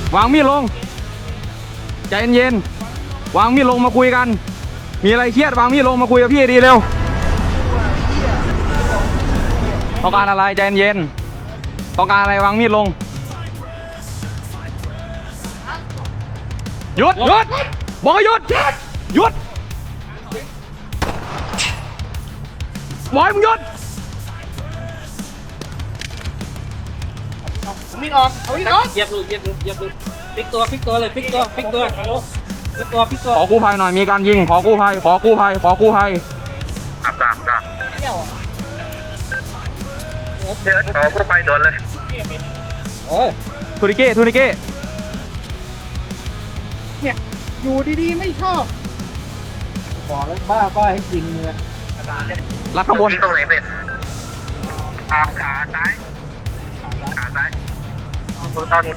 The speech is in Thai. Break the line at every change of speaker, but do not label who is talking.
วางมีดลงใจเย็นๆวางมีดลงมาคุยกันมีอะไรเครียดวางมีดลงมาคุยกับพี่ดีเร็วต้องการอะไรใจเย็นต้องการอะไรวางมีดลงหยุดบอกให้หยุดบอกให้มึงหยุด
มีออกเอาอีกออกเหยียบลูกพลิกตัวเลยพลิกตัว
ขอกู้ภัยหน่อยมีการยิงขอกู้ภัย
เดี๋ยวขอกู้ภัยโดนเลย
ทูนิเก้
เนี่ยอยู่ดีๆไม่ชอบบอกแล้วบ้าให้ยิงเลย
รัดข้างบน
ตรงไหนเป็นขาซ้ายตอนนี้